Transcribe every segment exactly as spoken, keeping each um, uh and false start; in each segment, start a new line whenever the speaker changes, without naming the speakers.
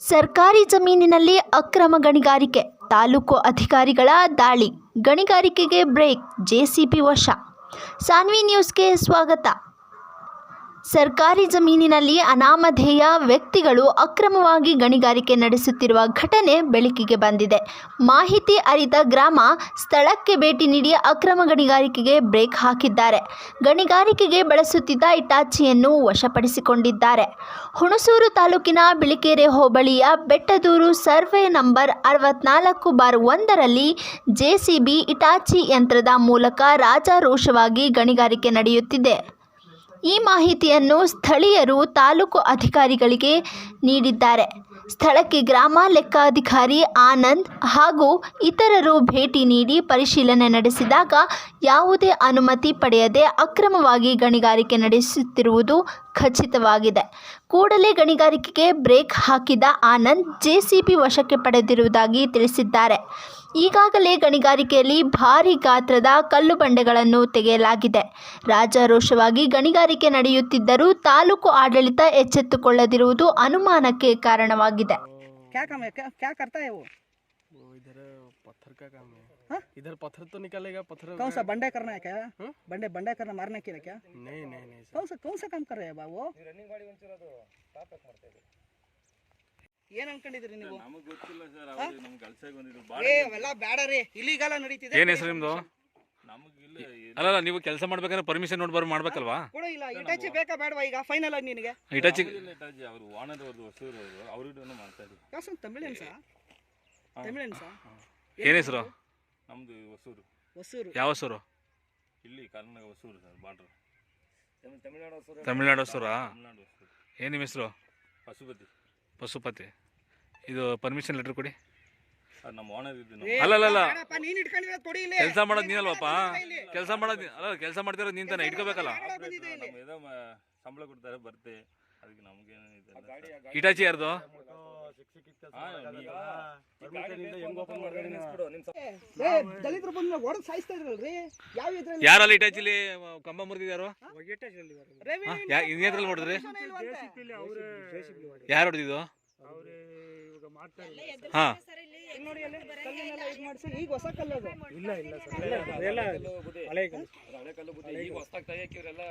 ಸರ್ಕಾರಿ ಜಮೀನಿನಲ್ಲಿ ಅಕ್ರಮ ಗಣಿಗಾರಿಕೆ, ತಾಲೂಕು ಅಧಿಕಾರಿಗಳ ದಾಳಿ, ಗಣಿಗಾರಿಕೆಗೆ ಬ್ರೇಕ್, ಜೆಸಿಬಿ ವಶ. ಸಾನ್ವಿ ನ್ಯೂಸ್ಗೆ ಸ್ವಾಗತ. ಸರ್ಕಾರಿ ಜಮೀನಿನಲ್ಲಿ ಅನಾಮಧೇಯ ವ್ಯಕ್ತಿಗಳು ಅಕ್ರಮವಾಗಿ ಗಣಿಗಾರಿಕೆ ನಡೆಸುತ್ತಿರುವ ಘಟನೆ ಬೆಳಕಿಗೆ ಬಂದಿದೆ. ಮಾಹಿತಿ ಅರಿತ ಗ್ರಾಮ ಸ್ಥಳಕ್ಕೆ ಭೇಟಿ ನೀಡಿ ಅಕ್ರಮ ಗಣಿಗಾರಿಕೆಗೆ ಬ್ರೇಕ್ ಹಾಕಿದ್ದಾರೆ. ಗಣಿಗಾರಿಕೆಗೆ ಬಳಸುತ್ತಿದ್ದ ಇಟಾಚಿಯನ್ನು ವಶಪಡಿಸಿಕೊಂಡಿದ್ದಾರೆ. ಹುಣಸೂರು ತಾಲೂಕಿನ ಬಿಳಿಕೆರೆ ಹೋಬಳಿಯ ಬೆಟ್ಟದೂರು ಸರ್ವೆ ನಂಬರ್ ಅರವತ್ನಾಲ್ಕು ಬಾರ್ ಒಂದರಲ್ಲಿ ಜೆಸಿಬಿ ಇಟಾಚಿ ಯಂತ್ರದ ಮೂಲಕ ರಾಜಾರೋಷವಾಗಿ ಗಣಿಗಾರಿಕೆ ನಡೆಯುತ್ತಿದೆ. ಈ ಮಾಹಿತಿಯನ್ನು ಸ್ಥಳೀಯರು ತಾಲೂಕು ಅಧಿಕಾರಿಗಳಿಗೆ ನೀಡಿದ್ದಾರೆ. ಸ್ಥಳಕ್ಕೆ ಗ್ರಾಮ ಲೆಕ್ಕಾಧಿಕಾರಿ ಆನಂದ್ ಹಾಗೂ ಇತರರು ಭೇಟಿ ನೀಡಿ ಪರಿಶೀಲನೆ ನಡೆಸಿದಾಗ ಯಾವುದೇ ಅನುಮತಿ ಪಡೆಯದೆ ಅಕ್ರಮವಾಗಿ ಗಣಿಗಾರಿಕೆ ನಡೆಸುತ್ತಿರುವುದು ಖಚಿತವಾಗಿದೆ. ಕೂಡಲೇ ಗಣಿಗಾರಿಕೆಗೆ ಬ್ರೇಕ್ ಹಾಕಿದ ಆನಂದ್ ಜೆಸಿಬಿ ವಶಕ್ಕೆ ಪಡೆದಿರುವುದಾಗಿ ತಿಳಿಸಿದ್ದಾರೆ. ಈಗಾಗಲೇ ಗಣಿಗಾರಿಕೆಯಲ್ಲಿ ಭಾರೀ ಗಾತ್ರದ ಕಲ್ಲು ಬಂಡೆಗಳನ್ನು ತೆಗೆಯಲಾಗಿದೆ. ರಾಜಾರೋಷವಾಗಿ ಗಣಿಗಾರಿಕೆ ನಡೆಯುತ್ತಿದ್ದರೂ ತಾಲೂಕು ಆಡಳಿತ ಎಚ್ಚೆತ್ತುಕೊಳ್ಳದಿರುವುದು ಅನುಮಾನಕ್ಕೆ ಕಾರಣವಾಗಿದೆ.
क्या काम है क्या क्या करता है वो
वो इधर पत्थर का काम है। हा? इधर पत्थर तो निकालेगा पत्थर
कौन सा बंडे करना है क्या हा? बंडे बंडे करना मारने के लिए क्या
नहीं नहीं नहीं
कौन सा कौन सा काम कर रहे हैं बाबू रनिंग ಗಾಡಿ ಹೊಂಚಿರೋದು ಸ್ಟಾಪ್ ಮಾಡ್ತಾ ಇದೆ ಏನು ಅನ್ಕೊಂಡಿದ್ರಿ ನೀವು ನಮಗೆ ಗೊತ್ತಿಲ್ಲ ಸರ್ ಅವರು ನಮ್ಮ ಕೆಲಸಕ್ಕೆ ಬಂದಿದ್ರು ಏ ಅವೆಲ್ಲ ಬೇಡ ರೀ ಇಲ್ಲಿಗಲ್ಲ ನಡೀತಿದೆ
ಏನು ಹೆಸರು ನಿಮ್ಮದು
ನಮಗಿಲ್ಲ
ಅಲ್ಲ ಅಲ್ಲ ನೀವು ಕೆಲಸ ಮಾಡ್ಬೇಕಾದ್ರೆ ಪರ್ಮಿಷನ್ ನೋಡಿ ಬರ್ ಮಾಡ್ಬೇಕಲ್ವಾ
ಕೂಡ ಇಲ್ಲ ಇಟಾಚಿ ಬೇಕಾ ಬೇಡವಾ ಈಗ ಫೈನಲ್ ಆಗಿ ನಿನಗೆ
ಇಟಾಚಿ
ಇಟಾಚಿ ಅವರು ಓನರ್ ಅವ್ರದ್ದು ಹೊಸೂರು ಅವರು ಅವರಿಗೂ ಮಾಡ್ತಾ ಇದ್ರು
ಯಾಸನ್ ತಮಿಳನ್ ಸಾ ತಮಿಳನ್ ಸಾ
ಏನು ಹೆಸರು
ನಮ್ದು ಹೊಸೂರು
ಹೊಸೂರು
ಯಾವ ಹೊಸೂರು
ಇಲ್ಲಿ ಕರ್ನಾಟಕ ಹೊಸೂರು ಸರ್ ಬಾರ್ಡರ್ ತಮಿಳುನಾಡು ಹೊಸೂರು
ತಮಿಳ್ನಾಡು ಹೊಸೂರಾ
ತಮಿಳುನಾಡು ಹೊಸೂರು
ಏನು ನಿಮ್ಮ ಹೆಸರು
ಪಶುಪತಿ
ಪಶುಪತಿ ಇದು ಪರ್ಮಿಷನ್ ಲೆಟರ್ ಕೊಡಿ
ನಮ್ಮ ಓನರ್ ಇದ್ದು
ಅಲ್ಲ ಅಲ್ಲ ಅಲ್ಲ
ನೀನು ಇಟ್ಕೊಂಡಿರೋದು ಕೊಡಿ ಇಲ್ಲಿ
ಕೆಲಸ ಮಾಡೋದು ನೀನಲ್ವಪ್ಪ ಕೆಲಸ ಮಾಡೋದು ಅಲ್ಲ ಕೆಲಸ ಮಾಡ್ತಿರೋದು ನೀನ್ ತಾನೆ ಇಟ್ಕೋಬೇಕಲ್ಲ
ನಮ್ಮ ಏನೋ ಸಂಬಳ ಕೊಡ್ತಾರೆ ಬರ್ತೆ ಅದಕ್ಕೆ ನಮಗೇನು
ಇಟಾಚಿ ಯಾರ್ದು
ದಲಿತರು ಬಂದು ಓಡೋದು ಸಾಯಿಸ್ತಾ ಇದ್ರಲ್ರಿ ಯಾವ ಇದ್ರಲ್ಲಿ
ಯಾರಲ್ಲಿ ಇಟಾಚಿಲಿ ಕಂಬ ಮುರಿದಿದ್ದಾರೋ ಇನ್ನೇದ್ರಲ್ಲಿ ನೋಡಿದ್ರಿ ಯಾರು ಹೊಡೆದಿದ್ದು ಹಾ
ನೋಡಿ ಅಲ್ಲಿ ಕಲ್ಲನ್ನೆಲ್ಲ ಇದು ಮಾಡಿಸಿ ಈಗ ಹೊಸ ಕಲ್ಲು ಅದು ಇಲ್ಲ ಇಲ್ಲ ಸರ್ ಎಲ್ಲ ಹಳೆ ಕಲ್ಲು ಹಳೆ ಕಲ್ಲು ಬುದ್ಧಿ ಈಗ ಹೊಸದಾಗಿ ತೆಗೆಯಕ್ಕೆ ಇವರೆಲ್ಲ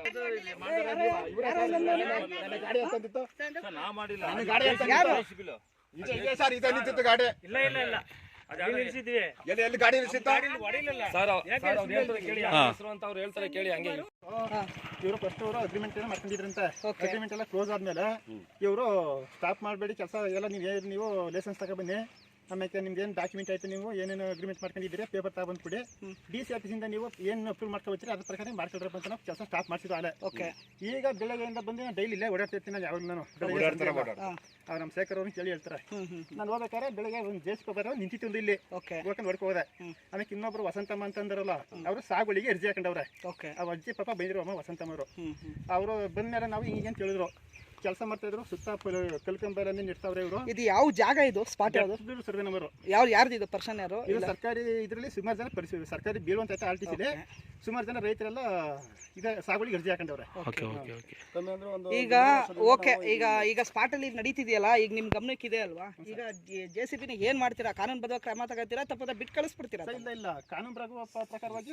ಗಾಡಿ ಅಂತಂದಿತ್ತು
ನಾ ಮಾಡಿಲ್ಲ
ನನ್ನ ಗಾಡಿ ಅಂತ ಯಾರು
ಇದು ಇದೆ ಸರ್ ಇದು ನಿಂತಿತ್ತು ಗಾಡಿ
ಇಲ್ಲ ಇಲ್ಲ ಇಲ್ಲ ಅದು ನಿಲ್ಲಿಸಿದ್ವಿ
ಎಲ್ಲಿ ಎಲ್ಲಿ ಗಾಡಿ ನಿಲ್ಲಿಸಿತ್ತು
ಗಾಡಿ ಹೊಡಿಲಿಲ್ಲ ಸರ್ ಸರ್ ಅವ್ರು ಹೇಳ್ತಾರೆ ಕೇಳಿ ಹೆಸರು ಅಂತ ಅವ್ರು ಹೇಳ್ತಾರೆ ಕೇಳಿ ಹಂಗೆ
ಇವರು ಫಸ್ಟ್ ಅವರು ಅಗ್ರಿಮೆಂಟ್ ಏನೋ ಮಾಡ್ಕೊಂಡಿದ್ರಂತೆ ಅಗ್ರಿಮೆಂಟ್ ಎಲ್ಲ ಕ್ಲೋಸ್ ಆದ್ಮೇಲೆ ಇವರು ಸ್ಟಾಪ್ ಮಾಡಬೇಡಿ ಕೆಲಸ ಎಲ್ಲ ನೀವು ನೀವು ಲೈಸೆನ್ಸ್ ತಗೊಬನ್ನಿ ಆಮೇಲೆ ನಿಮ್ದು ಏನು ಡಾಕ್ಯುಮೆಂಟ್ ಆಯ್ತು ನೀವು ಏನೇನು ಅಗ್ರಿಮೆಂಟ್ ಮಾಡ್ಕೊಂಡಿದ್ದೀರಿ ಪೇಪರ್ ತಗೊಂಡು ಕೊಡಿ ಡಿ ಸಿ ಆಫೀಸಿಂದ ನೀವು ಏನು ಅಪ್ರೂವ್ ಮಾಡ್ಕೊಳ್ತೀರಿ ಅದ್ರ ಪ್ರಕಾರ ಮಾಡ್ಕೊಳ್ರಪ್ಪ ಅಂತ ನಾವು ಕೆಲಸ ಸ್ಟಾಪ್ ಮಾಡಿಸಿದ್ದು ಅಲ್ಲೇ ಓಕೆ ಈಗ ಬೆಳಗ್ಗೆಯಿಂದ ಬಂದು ನಾನು ಡೈಲಿ ಇಲ್ಲೇ ಓಡಾಡ್ತಿರ್ತೀನಿ ನಾನು ಯಾವಾಗ ನಾನು ಅವ್ರು ನಮ್ಮ ಶೇಖರ್ ಅವ್ರನ್ನ ಕೇಳಿ ಹೇಳ್ತಾರೆ ನಾನು ಹೋಗ್ಬೇಕಾದ್ರೆ ಬೆಳಗ್ಗೆ ಒಂದು ಜೇಸ್ಕೊ ಬರೋ ನಿಂತಿತ್ತು ಇಲ್ಲಿ ಹೋಗ್ಕೊಂಡು ಹೊಡ್ಕೊ ಹೋದೆ ಆಮೇಲೆ ಇನ್ನೊಬ್ರು ವಸಂತಮ್ಮ ಅಂತಂದ್ರಲ್ಲ ಅವರು ಸಾಗುಳಿಗೆ ಅರ್ಜಿ ಹಾಕೊಂಡವ್ರೆ ಆ ಅಜ್ಜಿ ಪಾಪ ಬೈದ್ರು ಅಮ್ಮ ವಸಂತಮ್ಮ ಅವರು ಅವರು ಬಂದ್ಮೇಲೆ ನಾವು ಹಿಂಗೇನು ಕೇಳಿದ್ರು ಕೆಲಸ ಮಾಡ್ತಾ ಇದ್ರು ಸುತ್ತ ಕಲ್ಕಂಬರನ್ನೇ ನಿಡ್ತಾವ್ರೆ ಇವರು
ಇದು ಯಾವ ಜಾಗ ಇದು ಸ್ಪಾಟ್ ಯಾವುದು
ಸರ್ವೆ ನಂಬರ್
ಯಾವ ಯಾರ್ದು ಇದು ಪರ್ಸನ್ ಯಾರು
ಇದು ಸರ್ಕಾರಿ ಇದರಲ್ಲಿ ಸುಮಾರು ಜನ ಪರಿಸ್ಥಿತಿ ಸರ್ಕಾರಿ ಬೀಳುವಂತ ಆರ್ ಟಿ ಸಿಲಿ ಸುಮಾರು ಜನ ರೈತರೆಲ್ಲ ಈಗ ಸಾಗುವಳಿಗೆ ಅರ್ಜಿ ಹಾಕೊಂಡವ್ರೆ
ಈಗ ಓಕೆ ಈಗ ಈಗ ಸ್ಪಾಟ್ ಅಲ್ಲಿ ನಡೀತಿದೆಯಲ್ಲ ಈಗ ನಿಮ್ ಗಮನಕ್ಕೆ ಇದೆ ಅಲ್ವಾ ಈಗ ಜೆ ಸಿ ಬಿನ ಏನ್ ಮಾಡ್ತೀರಾ ಕಾನೂನು ಬದ್ಧ ಕ್ರಮ ತಗೋತೀರಾ ತಪ್ಪದ ಬಿಟ್ಟು ಕಳಿಸ್ಬಿಡ್ತೀರಾ
ಇಲ್ಲ ಇಲ್ಲ ಕಾನೂನು ಪ್ರಕಾರವಾಗಿ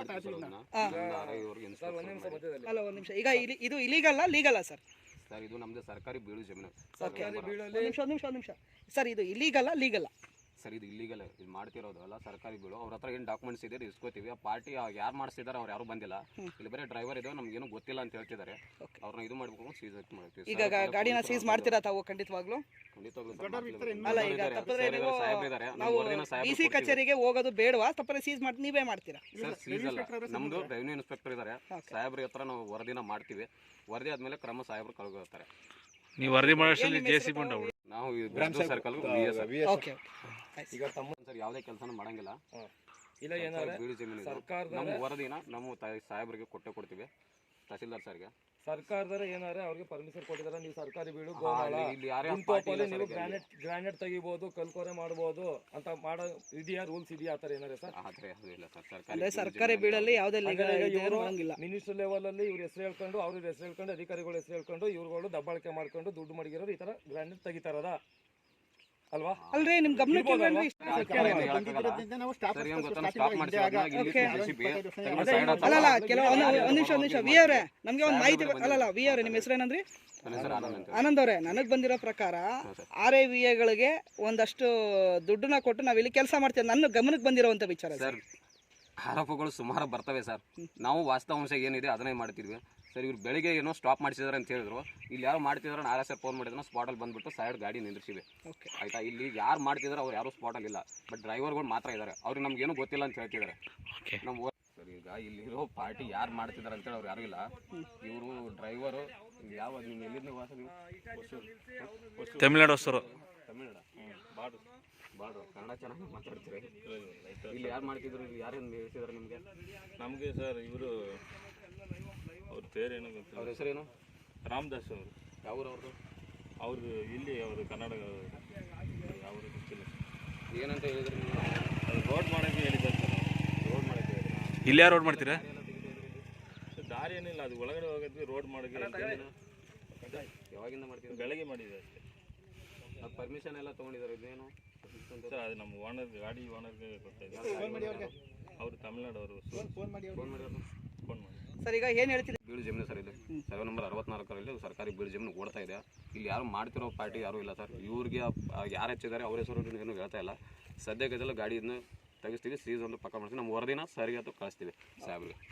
ಅಲ್ಲ ಒಂದ್ ನಿಮಿಷ ಈಗ ಇದು ಇಲೀಗಲ್ ಲೀಗಲ್ ಸರ್
ಸರ್ ಇದು ನಮ್ದು ಸರ್ಕಾರಿ ಬೀಳು ಜಮೀನು
ನಿಮಿಷ ನಿಮಿಷ ನಿಮಿಷ ಸರ್ ಇದು ಇಲೀಗಲ್ ಲೀಗಲ್
ಸರ್ ಇದು ಇಲ್ಲಿಗಲ್ ಇದು ಮಾಡ್ತಿರೋದು ಅಲ್ಲ ಸರ್ಕಾರಿ ಬೀಳು ಅವ್ರ ಹತ್ರ ಏನು ಡಾಕ್ಯುಮೆಂಟ್ಸ್ ಇದೆ ಇಸ್ಕೋತೀವಿ ಆ ಪಾರ್ಟಿ ಯಾರು ಮಾಡಿಸಿದಾರೆ ಅವ್ರು ಯಾರು ಬಂದಿಲ್ಲ ಇಲ್ಲಿ ಬರೀ ಡ್ರೈವರ್ ಇದೆ ನಮ್ಗೇನು ಗೊತ್ತಿಲ್ಲ ಅಂತ ಹೇಳ್ತಿದ್ದಾರೆ ಅವ್ರನ್ನ ಇದು ಮಾಡ್ಬೇಕು ಸೀಸ್ ಮಾಡ್ತೀವಿ
ಈಗ ಗಾಡಿನ ಸೀಸ್ ಮಾಡ್ತೀರಾ ತಾವು ಖಂಡಿತವಾಗ್ಲೂ ಅಲ್ಲ ಈಗ ತಪ್ಪಿದ್ರೆ ನೀವು ನಾವು ಡಿ ಸಿ ಕಚೇರಿಗೆ ಹೋಗೋದು ಬೇಡವಾ ತಪ್ಪರೆ ಸೀಸ್ ಮಾಡಿ ನೀವೇ ಮಾಡ್ತೀರಾ
ಸರ್ ಸೀಸ್ ಅಲ್ಲ ನಮ್ದು ರೆವಿನ್ಯೂ ಇನ್ಸ್ಪೆಕ್ಟರ್ ಇದ್ದಾರೆ ಸಾಹೇಬ್ರ ಹತ್ರ ನಾವು ವರದಿನ ಮಾಡ್ತೀವಿ ವರದಿ ಆದ್ಮೇಲೆ ಕ್ರಮ ಸಾಹೇಬ್ರು ಕಳ್ಕೊಳ್ತಾರೆ
ನೀವು ವರದಿ ಮಾಡೋಷ್ಟರಲ್ಲಿ ಜೆಸಿಬಿ ಉಂಟು
ನಾವು ಸರ್ಕಲ್
ಓಕೆ
ಈಗ ತಮ್ಮ ಸರ್ ಯಾವುದೇ ಕೆಲಸನೂ ಮಾಡಂಗಿಲ್ಲ ಇಲ್ಲ ಏನಾದ್ರೆ ಬೀಳು ಜಮೀನು ನಮ್ಮ ವರದಿನ ನಮ್ಮ ಸಾಹೇಬ್ರಿಗೆ ಕೊಟ್ಟೆ ಕೊಡ್ತೀವಿ ತಹಸೀಲ್ದಾರ್ ಸರ್ಗೆ
ಸರ್ಕಾರದವರು ಏನಾರೆ ಅವ್ರಿಗೆ ಪರ್ಮಿಷನ್ ಕೊಟ್ಟಿದ್ದಾರೆ ನೀವು ಸರ್ಕಾರಿ ಬೀಳು ಗೋಮಾಳ ನೀವು ಗ್ರಾನೈಟ್ ಗ್ರಾನೈಟ್ ತೆಗಿಬಹುದು ಕಲ್ಕೋರೆ ಮಾಡಬಹುದು ಅಂತ ಮಾಡೋ ಇದೆಯಾ ರೂಲ್ಸ್ ಇದೆಯಾ ಆತರ ಏನಾರೆ ಸರ್
ಅಂದ್ರೆ ಸರ್ಕಾರಿ ಬೀಳಲ್ಲಿ ಯಾವುದೇ
ಮಿನಿಸ್ಟರ್ ಲೆವೆಲ್ ಅಲ್ಲಿ ಇವ್ರ ಹೆಸರು ಹೇಳ್ಕೊಂಡು ಅವ್ರ ಹೆಸರು ಹೇಳ್ಕೊಂಡು ಅಧಿಕಾರಿಗಳ ಹೆಸರು ಹೇಳ್ಕೊಂಡು ಇವ್ರುಗಳು ದಬ್ಬಾಳಿಕೆ ಮಾಡ್ಕೊಂಡು ದುಡ್ಡು ಮಡಗಿರೋರು ಈ ತರ ಗ್ರಾನೈಟ್ ತೆಗಿತಾರದ ಅಲ್ವಾ?
ಅಲ್ರಿ ನಿಮ್ ಗಮನಕ್ಕೆ ಇಲ್ವೇನ್ರಿ ಇಷ್ಟ?
ಬಂದಿರೋದ್ರಿಂದ ನಾವು ಸ್ಟಾಪ್
ಸರ್ ಏನ್ ಗೊತ್ತಾ ಸ್ಟಾಪ್ ಮಾಡಿಸಿ
ಅಲ್ಲಲ್ಲ ಕೆಲವು ಒಂದ್ ಒಂದ್ ನಿಮಿಷ ಒಂದ್ ನಿಮಿಷ ವಿ ಅವರೇ ನಮ್ಗೆ ಒಂದು ಮಾಹಿತಿ ಬ- ಅಲ್ಲಲ್ಲ ವಿ ಅವರೇ ನಿಮ್ಮ ಹೆಸರು ಏನಂದ್ರಿ? ಆನಂದ್ ಅವರೇ, ನನಗೆ ಬಂದಿರೋ ಪ್ರಕಾರ ಆರ್ ಐ ವಿ ಎಗಳಿಗೆ ಒಂದಷ್ಟು ದುಡ್ಡನ್ನ ಕೊಟ್ಟು ನಾವಿಲ್ಲಿ ಕೆಲಸ ಮಾಡ್ತೀವಿ, ನನ್ನ ಗಮನಕ್ಕೆ ಬಂದಿರೋವಂಥ ವಿಚಾರ
ಸರ್. ಆರೋಪಗಳು ಸುಮಾರು ಬರ್ತವೆ ಸರ್. ನಾವು ವಾಸ್ತವಾಂಶ ಏನಿದೆ ಅದನ್ನೇ ಮಾಡ್ತಿದ್ವಿ ಸರ್. ಇವ್ರು ಬೆಳಿಗ್ಗೆ ಏನೋ ಸ್ಟಾಪ್ ಮಾಡಿಸಿದಾರೆ ಅಂತ ಹೇಳಿದ್ರು. ಇಲ್ಲಿ ಯಾರು ಮಾಡ್ತಿದಾರೆ ನಾಳೆ ಸರ್ ಫೋನ್ ಮಾಡಿದ್ರು ಸ್ಪಾಟಲ್ಲಿ ಬಂದ್ಬಿಟ್ಟು ಸೈಡ್ ಗಾಡಿ ನಿಂದ್ರಿಸಿವೆ. ಆಯ್ತಾ, ಇಲ್ಲಿ ಯಾರು ಮಾಡ್ತಿದಾರೆ ಅವ್ರು ಯಾರು ಸ್ಪಾಟಲ್ಲಿ ಇಲ್ಲ, ಬಟ್ ಡ್ರೈವರ್ಗಳು ಮಾತ್ರ ಇದ್ದಾರೆ. ಅವ್ರಿಗೆ ನಮ್ಗೇನು ಗೊತ್ತಿಲ್ಲ ಅಂತ ಹೇಳ್ತಿದ್ದಾರೆ. ನಮ್ಮ ಸರ್ ಈಗ ಇಲ್ಲಿರೋ ಪಾರ್ಟಿ ಯಾರು ಮಾಡ್ತಿದ್ದಾರೆ ಅಂತೇಳಿ ಅವ್ರು ಯಾರು ಇಲ್ಲ. ಇವರು ಡ್ರೈವರು ಯಾವ ನಿಮ್ಮ ಎಲ್ಲಿಂದ ವಾಸ ನೀವು?
ತಮಿಳ್ನಾಡು ಹೊಸರು.
ತಮಿಳ್ನಾಡ ಬಾಡು ಬಾಡು ಕನ್ನಡ ಚೆನ್ನಾಗಿ ಮಾತಾಡ್ತೀರಿ. ಇಲ್ಲಿ ಯಾರು ಮಾಡ್ತಿದ್ರು? ಇಲ್ಲಿ ಯಾರೇನು ಹೇಳ್ತಿದ್ದಾರೆ ನಿಮಗೆ?
ನಮಗೆ ಸರ್ ಇವರು ಅವ್ರ പേರೇನು ಗೊತ್ತಿಲ್ಲ.
ಅವ್ರ ಹೆಸರೇನು?
ರಾಮದಾಸ್ ಅವರು.
ಯಾವ್ರು ಅವ್ರದ್ದು?
ಅವ್ರದ್ದು ಇಲ್ಲಿ ಅವರು ಕನ್ನಡ ಯಾವ ಗೊತ್ತಿಲ್ಲ.
ಏನಂತ ಹೇಳಿದ್ರು ನೀವು?
ಅದು ರೋಡ್ ಮಾಡೋಕ್ಕೆ ಹೇಳಿದ್ದಾರೆ ಸರ್.
ರೋಡ್ ಮಾಡೋಕ್ಕೆ ಹೇಳಿದ್ರು.
ಇಲ್ಲಿ ಯಾರು ರೋಡ್ ಮಾಡ್ತೀರಾ?
ಸರ್ ದಾರಿ ಏನಿಲ್ಲ, ಅದು ಒಳಗಡೆ ಹೋಗಿದ್ವಿ ರೋಡ್ ಮಾಡೋಕ್ಕೆ.
ಯಾವಾಗಿಂದ ಮಾಡ್ತಿದ್ರು?
ಬೆಳಗ್ಗೆ ಮಾಡಿದೆ ಅಷ್ಟೇ.
ಅದು ಪರ್ಮಿಷನ್ ಎಲ್ಲ ತೊಗೊಂಡಿದ್ದಾರೆ. ಇದೇನು
ಸರ್ ಅದು ನಮ್ಮ ಓನರ್ ಗಾಡಿ ಓನರ್ಗೆ ಗೊತ್ತಾಯಿದೆ. ಅವರು ತಮಿಳ್ನಾಡವರು.
ಫೋನ್ ಮಾಡಿ
ಫೋನ್ ಮಾಡಿ ಅವ್ರನ್ನ.
ಫೋನ್ ಮಾಡಿ
ಸರ್. ಈಗ ಏನು ಹೇಳ್ತೀರಿ?
ಬೀಳು ಜಮೀನು ಸರ್ ಇದು ಸರ್ವೆ ನಂಬರ್ ಅರವತ್ನಾಲ್ಕರಲ್ಲಿ ಸರ್ಕಾರಿ ಬೀಳು ಜಮೀನು ಓಡ್ತಾ ಇದೆ. ಇಲ್ಲಿ ಯಾರು ಮಾಡ್ತಿರೋ ಪಾರ್ಟಿ ಯಾರೂ ಇಲ್ಲ ಸರ್. ಇವ್ರಿಗೆ ಯಾರು ಹೆಚ್ಚಿದ್ದಾರೆ ಅವ್ರ ಹೆಸರು ಏನು ಹೇಳ್ತಾ ಇಲ್ಲ. ಸದ್ಯಕ್ಕೆ ಗಾಡಿಯನ್ನು ತೆಗಿಸ್ತೀವಿ, ಸೀಸ್ ಒಂದು ಪಕ್ಕ ಮಾಡ್ತೀವಿ. ನಮ್ಮ ವರದಿನ ಸರಿಗೆ ಅದು ಕಳಿಸ್ತೀವಿ ಸಾಹೇಬ್ರಿಗೆ.